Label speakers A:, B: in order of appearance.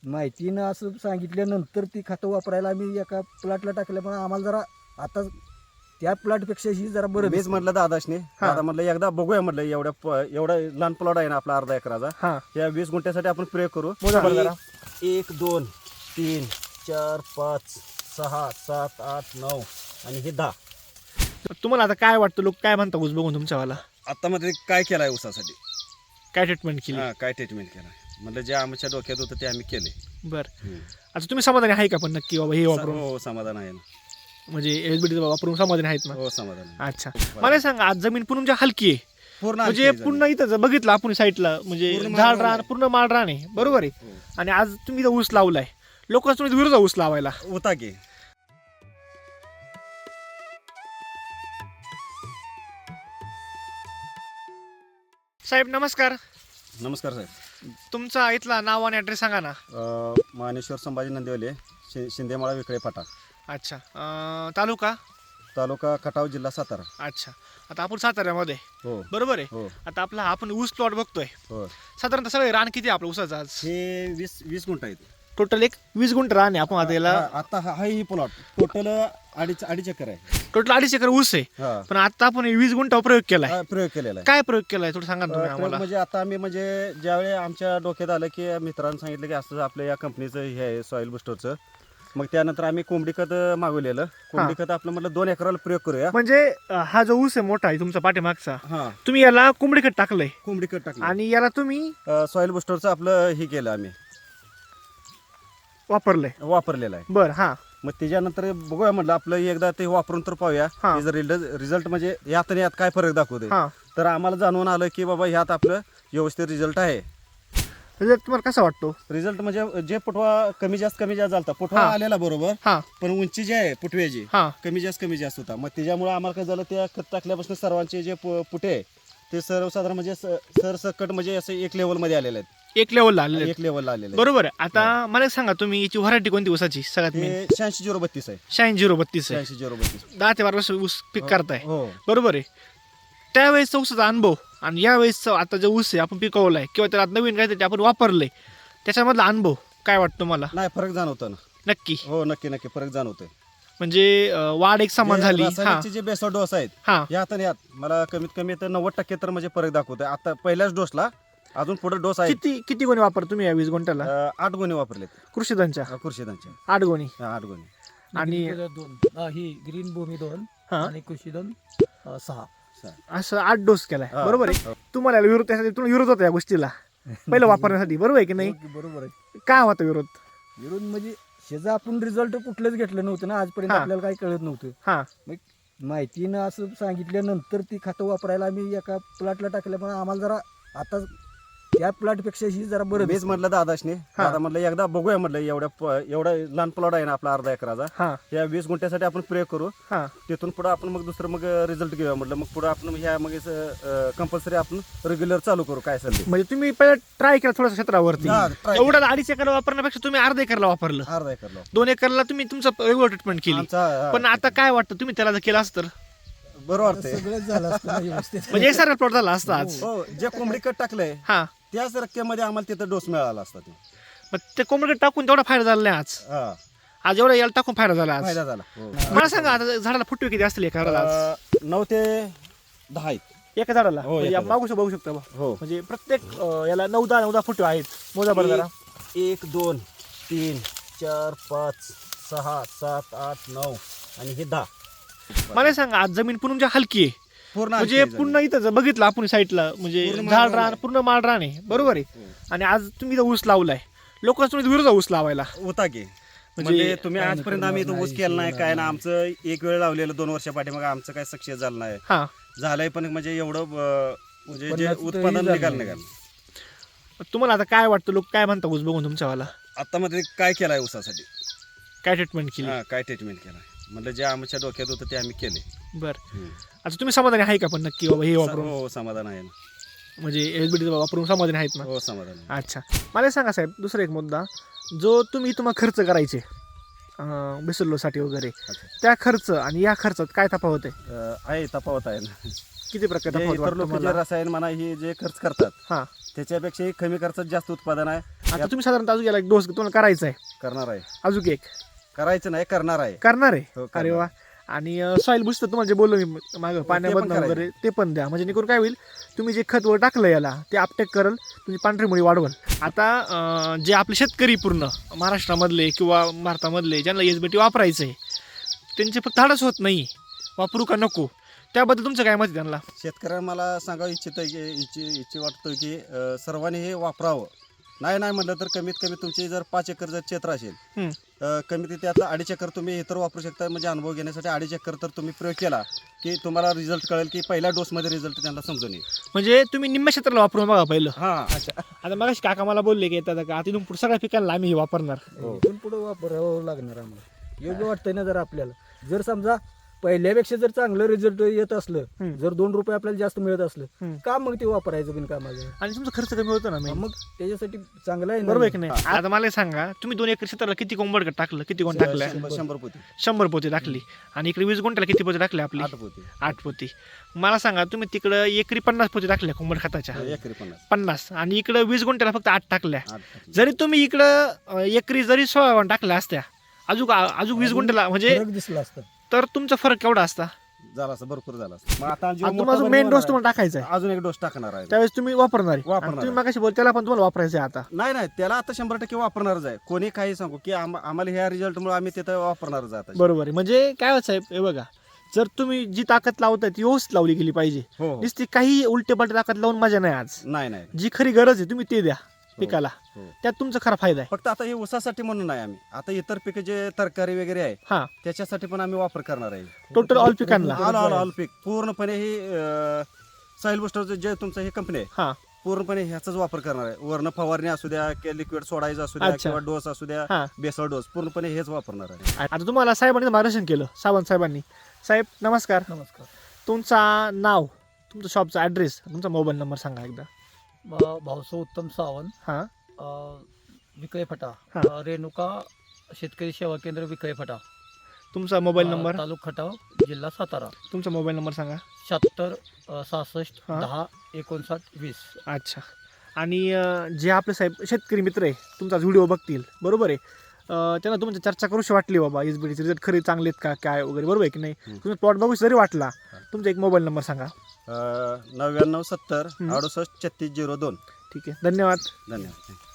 A: माहितीनं असं सांगितल्यानंतर ती खतं वापरायला आम्ही एका प्लॉटला टाकल्यामुळे आम्हाला जरा आता त्या प्लॉटपेक्षा ही जरा बरं
B: मीच
A: दिसतंय.
B: म्हटलं दादाशने,
C: हा.
B: दादा म्हटलं एकदा बघूया म्हटलं एवढा लहान प्लॉट आहे ना आपला अर्धा एकराचा,
C: हा
B: या 20 गुंठ्यासाठी आपण प्रयोग करू.
C: मोजा बरं जरा.
B: 1 2 3 4 5 6 7 8 9 आणि हे 10.
C: तुम्हाला आता काय वाटतं, लोक काय म्हणतात ऊस बघून तुमच्यावाला?
B: आता मध्ये काय केलाय ऊसासाठी,
C: काय ट्रीटमेंट केली?
B: काय ट्रीटमेंट केलाय म्हटलं जे आमच्या डोक्यात होतं ते आम्ही केले.
C: बरं, आता तुम्ही समाधानी आहे का पण नक्की बाबा हे वापरून?
B: हो समाधान आहे ना.
C: म्हणजे एसबीटी वापरून समाधानी आहेत ना?
B: हो समाधान आहे.
C: अच्छा, मला सांगा, आज जमीन पूर्ण म्हणजे हलकी आहे,
B: पूर्ण
C: म्हणजे
B: हलकी
C: पूर्ण इथं जर बघितलं आपण साईडला म्हणजे
B: पूर्ण
C: झाड
B: माळरान
C: रान
B: आहे.
C: पूर्ण माळ रान आहे, बरोबर आहे.
B: हो.
C: आणि आज तुम्ही इथं ऊस लावलाय, लोक तुम्ही विरोध ऊस लावायला.
B: होता की
C: साहेब नमस्कार,
B: नमस्कार साहेब.
C: तुमचा इथला नाव आणि ॲड्रेस सांगा ना.
B: मानेश्वर संभाजी नंदिवले, शिंदेमाळा विकळे फाटा,
C: अच्छा, तालुका?
B: तालुका खटाव, जिल्हा सातारा.
C: अच्छा, आता आपण साताऱ्यामध्ये,
B: हो
C: बरोबर आहे.
B: हो
C: आता आपला आपण ऊस प्लॉट बघतोय,
B: हो.
C: साधारणतः सगळे रान किती आहे आपलं ऊसाचं आज?
B: हे 20 गुंठ आहेत.
C: टोटल एक 20 गुंठ रान आहे. आपण आता याला
B: आता हा ही प्लॉट टोटल अडीच एकर आहे.
C: टोटल 2.5 एकर ऊस आहे,
B: हा.
C: पण आता आपण 20 गुंठावर प्रयोग केलाय.
B: हा, प्रयोग केलेला आहे.
C: काय प्रयोग केलाय थोडं सांगा ना तुम्ही
B: प्रयोग
C: आम्हाला.
B: म्हणजे आता आम्ही म्हणजे ज्यावेळी आमच्या डोक्यात आलं की मित्रांनी सांगितलं की असं आपल्या या कंपनीचं हे आहे सॉईल बुस्टरचं, मग त्यानंतर आम्ही कोंबडी खत मागवलेलं. कोंबडी खत आपलं म्हटलं 2 एकराला प्रयोग करूया.
C: म्हणजे हा जो ऊस आहे मोठा आहे तुमचा पाठीमागचा,
B: हा
C: तुम्ही याला कोंबडी खत टाकलंय
B: कोंबडी खत टाकलं
C: आणि याला तुम्ही
B: सॉईल बुस्टरचं आपलं हे केलं आम्ही
C: वापरलंय.
B: वापरलेलं आहे.
C: बर, हा
B: मग त्याच्यानंतर बघूया म्हटलं आपलं एकदा ते वापरून तर पाहूया
C: हा.
B: रिझल्ट म्हणजे यात आणि यात काय फरक दाखवतोय.
C: हा.
B: तर आम्हाला जाणवून आलं की बाबा ह्यात आपलं व्यवस्थित रिझल्ट आहे.
C: रिझल्ट तुम्हाला कसा वाटतो?
B: रिझल्ट म्हणजे जे फुटवा कमी जास्त झाला फुटवा
C: हा.
B: आलेला बरोबर,
C: हा
B: पण उंची जी आहे फुटव्याची
C: हा
B: कमी जास्त होता. मग त्याच्यामुळे आम्हाला काय झालं, त्या खत टाकल्यापासून सर्वांचे जे पुटे आहे ते सर्वसाधारण म्हणजे सरसकट म्हणजे असं एक लेवलमध्ये आलेले आहेत.
C: एक लेवलला आलेले आहेत.
B: एक लेवलला आलेले आहेत.
C: बरोबर आहे. आता मला एक सांगा, तुम्ही याची व्हरायटी कोणती ऊसाची सगळ्यात मेन?
B: ते 86 आहे.
C: 86-032 आहे.
B: 86
C: 10 ते 12 वर्ष ऊस पीक करताय,
B: हो
C: बरोबर आहे. त्यावेळेसचा ऊसाचा अनुभव आणि यावेळेसचा आता जो ऊस आहे आपण पिकवलाय किंवा त्याला नवीन काहीतरी आपण वापरलंय, त्याच्यामधला अनुभव काय वाटतो मला?
B: नाही फरक जाणवतो ना.
C: नक्की,
B: हो नक्की फरक जाणवतोय.
C: म्हणजे वाढ एक समान
B: जे
C: झाली. हा
B: रासायनिकचे जे बेसर डोस आहेत
C: हा
B: यात आणि यात मला कमीत कमी तर 90% तर म्हणजे फरक दाखवतोय. आता पहिल्याच डोसला अजून पुढे डोस आहे.
C: किती गोणी वापर तुम्ही या 20 गुंठ्याला?
B: 8 गुणे वापरलेत
C: कृषीधनच्या
B: कृषीधनचे.
C: 8 गोणी
B: 8 गुणे.
C: आणि
A: ही ग्रीन भूमी 2
C: हा.
A: आणि कृषीधन 6.
C: असं 8 डोस केलाय,
B: हा.
C: बरोबर आहे. तुम्हाला याला विरोध, त्यासाठी तुम्हाला विरोध होता या गोष्टीला पहिलं वापरण्यासाठी, बरोबर आहे की नाही?
A: बरोबर आहे.
C: काय होता विरोध?
A: विरोध म्हणजे शेजा आपण रिझल्ट कुठलंच घेतलं नव्हतं ना आजपर्यंत,
C: हा.
A: आपल्याला काही कळत नव्हतं.
C: हा
A: माहितीनं असं सांगितल्यानंतर ती खतं वापरायला आम्ही एका प्लॉटला टाकल्यामुळे आम्हाला जरा आता त्या प्लॉटपेक्षा ही जरा बरं
B: मीच
A: दिसतंय.
B: म्हटलं दादाशने,
C: हा.
B: दादा म्हटलं एकदा बघूया म्हटलं एवढा लहान प्लॉट आहे ना आपला अर्धा एकराचा,
C: हा
B: या 20 गुंठ्यासाठी आपण प्रयोग करू.
C: हा
B: तिथून पुढे आपण मग दुसरं मग रिझल्ट घेऊया म्हटलं. मग पुढे आपण ह्या मग कंपल्सरी आपण रेग्युलर चालू करू काय असेल ते.
C: म्हणजे तुम्ही पहिला ट्राय केला थोडंसं क्षेत्रावरती,
B: हा, try
C: एवढा 2.5 एकर वापरण्यापेक्षा तुम्ही अर्धा एकरला वापरलं,
B: अर्धा एकरला
C: 2 एकरला तुम्ही तुमचं रेग्युलर ट्रीटमेंट केली.
B: आमचा
C: पण आता काय वाटतं, तुम्ही त्याला जर केलं असतं तर
B: बरं वाटतंय.
A: सगळंच झालं असतं ना व्यवस्थित.
C: म्हणजे एकसारखा प्लॉट झाला असता आज.
B: हो जे कोंबडी कट टाकलंय
C: हा,
B: त्याच रक्कमेमध्ये आम्हाला तिथं डोस मिळाला असता. ते
C: मग ते कोंबडीकडे टाकून तेवढा फायदा झाला नाही आज.
B: हा,
C: आज एवढा याला टाकून फायदा झाला आज.
B: फायदा झाला. हो.
C: मला सांगा, आता झाडाला फुटवे किती असतील एका झाडाला आज?
B: 9 ते 10 आहेत.
C: एका झाडाला
B: हो,
C: म्हणजे
B: एका
C: आपण मागू शकतो, बघू शकता बा.
B: हो.
C: म्हणजे प्रत्येक याला 9-10 फुटवे आहेत. मोजा बरं जरा.
B: 1 2 3 4 5 6 7 8 9 आणि हे 10.
C: मला सांगा, आज जमीन पूर्ण म्हणजे हलकी आहे,
B: पूर्ण
C: म्हणजे
B: हलकी आहे
C: पूर्ण इथं जर बघितलं आपण साईडला म्हणजे
B: पूर्ण
C: झाड
B: माळरान
C: रान
B: आहे.
C: पूर्ण माळ रान आहे, बरोबर आहे.
B: हो.
C: आणि आज तुम्ही इथं ऊस लावलाय, लोक तुम्ही विरोध ऊस लावायला.
B: होता की
C: म्हणजे
B: म्हणजे तुम्ही आजपर्यंत आम्ही इथं ऊस केला नाही काय ना. आमचं एक वेळ लावलेलं 2 वर्षापाठी मग आमचं काय सक्सेस झालं नाही.
C: हा,
B: झालंय पण म्हणजे एवढं म्हणजे जे
A: उत्पन्नाचं
B: उत्पादन
A: तरी
B: निघाल
A: झालं
B: निघाल.
C: तुम्हाला आता काय वाटतं, लोक काय म्हणतात ऊस बघून तुमच्यावाला?
B: आता मध्ये काय केलाय ऊसासाठी,
C: काय ट्रीटमेंट केली?
B: काय ट्रीटमेंट केलाय म्हटलं जे आमच्या डोक्यात होतं ते आम्ही केले.
C: बरं, आता तुम्ही समाधानी आहे का पण नक्की बाबा हे वापरून?
B: हो समाधान आहे ना.
C: म्हणजे एसबीटी वापरून समाधानी आहेत ना?
B: हो समाधान आहे.
C: अच्छा, मला एक सांगा साहेब, दुसरा एक मुद्दा, जो तुम्हाला खर्च करायचे बिसरलोसाठी वगैरे,
B: अच्छा.
C: त्या खर्च आणि या खर्चात काय तफावत आहे?
B: आहे तफावत आहे ना.
C: किती प्रकार
B: जे
C: तफावत
B: इतर
C: वाटतं
B: लोक जे
C: तुम्हाला?
B: रसायन म्हणा हे जे खर्च करतात
C: हा
B: त्याच्यापेक्षाही कमी खर्चात जास्त उत्पादन आहे
C: आता तुम्ही साधारणतः अजून गेला एक डोस तुम्हाला करायचा आहे
B: करणार आहे.
C: अजून एक
B: करायचं नाही करणार आहे.
C: करणार आहे
B: हो,
C: अरे
B: करणार.
C: वा. आणि सॉईल बुस्टर तुम्हाला जे बोललो मी मागं पाण्याबद्दल
B: करायचं.
C: वगैरे ते पण द्या म्हणजे जेणेकरून काय होईल तुम्ही जे खत वर टाकलं याला ते अपटेक करल तुमची पांढरी मुळी वाढवल. आता जे आपले शेतकरी पूर्ण महाराष्ट्रामधले किंवा भारतामधले ज्यांना एसबीटी वापरायचं आहे त्यांचे फक्त धाडस होत नाही वापरू का नको त्याबद्दल तुमचं काय मत आहे त्यांना?
B: शेतकऱ्यांना मला सांगावं इच्छा वाटतं की सर्वांनी हे वापरावं. नाही म्हटलं तर कमीत कमी तुमची जर 5 एकर जर क्षेत्र असेल कमीत त्यातलं 2.5 एकर तुम्ही इतर वापरू शकता. म्हणजे अनुभव घेण्यासाठी 2.5 एकर तर तुम्ही प्रयोग केला की तुम्हाला रिझल्ट कळेल की पहिल्या डोसमध्ये रिझल्ट त्यांना समजून येईल.
C: म्हणजे तुम्ही निम्म्या क्षेत्राला वापरून बघा पहिलं.
B: हां
C: आता मग काका मला बोलले की येतात का आता इथून पुढे सगळ्या पिकांना आम्ही हे वापरणार.
A: इथून पुढे वापरावं लागणार आम्हाला. योग्य वाटतंय ना जर आपल्याला जर समजा पहिल्यापेक्षा जर चांगलं रिझल्ट येत असलं जर 2 रुपये आपल्याला जास्त मिळत असलं का मग ते वापरायचं बिनकामाचं
C: आणि तुमचा खर्च कमी होतो ना main.
A: मग त्याच्यासाठी चांगलं आहे ना.
C: बरोबर आहे की नाही? आता मला एक सांगा तुम्ही 2 एकर क्षेत्राला किती कोंबड टाकलं किती कोण टाकल्या?
B: 100 पोती
C: 100 पोती टाकली आणि इकडे 20 गुंठ्याला किती पोती टाकली आपली?
B: 8 पोती
C: 8 पोती. मला सांगा तुम्ही तिकडं एकरी 50 पोती टाकल्या कोंबड खताच्या
B: एकरी
C: 50 आणि इकडं 20 गुंठ्याला फक्त 8 टाकल्या.
B: 8
C: जरी तुम्ही इकडं एकरी जरी 16 टाकल्या असत्या अजून 20 गुंठ्याला म्हणजे
A: फरक दिसला असतं.
C: तर तुमचा फरक केवढा असता?
B: झाला असं भरपूर झाला असं. मग आता जो
C: आता
B: मोठा
C: तुम्हाला
B: भरपूर
C: मेन डोस
B: होणार
C: तुम्हाला टाकायचा आहे
B: आहे, अजून एक डोस टाकणार आहे.
C: त्यावेळेस तुम्ही वापरणार आहे.
B: वापरणार
C: आणि तुम्ही
B: आहे.
C: मागाशी बोल त्याला पण तुम्हाला वापरायचं आहे आता.
B: नाही त्याला आता 100% वापरणारच आहे. कोणी काही सांगू की आम्हाला ह्या रिझल्टमुळे आम्ही तिथं वापरणारच आहे आता.
C: बरोबर आहे. म्हणजे काय होत साहेब हे बघा जर तुम्ही जी ताकद लावताय ती व्यवस्थित लावली गेली पाहिजे.
B: हो
C: नुसती काही उलटे पलटे ताकद लावून मजा नाही आज.
B: नाही
C: जी खरी गरज आहे तुम्ही ते द्या पिकाला
B: हो.
C: त्यात तुमचा खरा फायदा आहे.
B: फक्त आता हे ऊसासाठी म्हणून नाही आम्ही आता इतर पिकं जे तरकारी वगैरे आहे
C: हा
B: त्याच्यासाठी पण आम्ही वापर करणार आहे.
C: टोटल ऑल पिकांना.
B: ऑल पीक पूर्णपणे ही सॉइल बुस्टरचं जे तुमचं हे कंपनी आहे
C: हा
B: पूर्णपणे ह्याचाच वापर करणार आहे. वर्ण फवारणी असू द्या किंवा लिक्विड सोडायचं असू द्या
C: अच्छा.
B: किंवा डोस असू द्या
C: हा
B: बेसळ डोस पूर्णपणे हेच वापरणार आहे.
C: आता तुम्हाला साहेबांनी मार्गदर्शन केलं सावंत साहेबांनी. साहेब नमस्कार.
A: नमस्कार.
C: तुमचा नाव तुमचा शॉपचा ॲड्रेस तुमचा मोबाईल नंबर सांगा एकदा.
A: भाऊसो उत्तम सावंत
C: हा
A: विकळे फटा
C: हा.
A: रेणुका शेतकरी सेवा केंद्र विकळे फटा
C: तुमचा मोबाईल नंबर
A: तालुका खटाव जिल्हा सातारा
C: तुमचा मोबाईल नंबर सांगा.
A: 76 66
C: हा.
A: 10 59 20.
C: अच्छा. आणि जे आपले साहेब शेतकरी मित्र आहे तुमचा व्हिडिओ बघतील बरोबर आहे त्यांना तुमची चर्चा करूशी वाटली बाबा एसबीटीचे रिझल्ट खरे चांगले आहेत का काय वगैरे बरोबर आहे की नाही तुम्ही प्लॉट बघू जरी वाटला तुमचा एक मोबाईल नंबर सांगा.
B: 99 70 68 36 02.
C: ठीक आहे धन्यवाद.
B: धन्यवाद.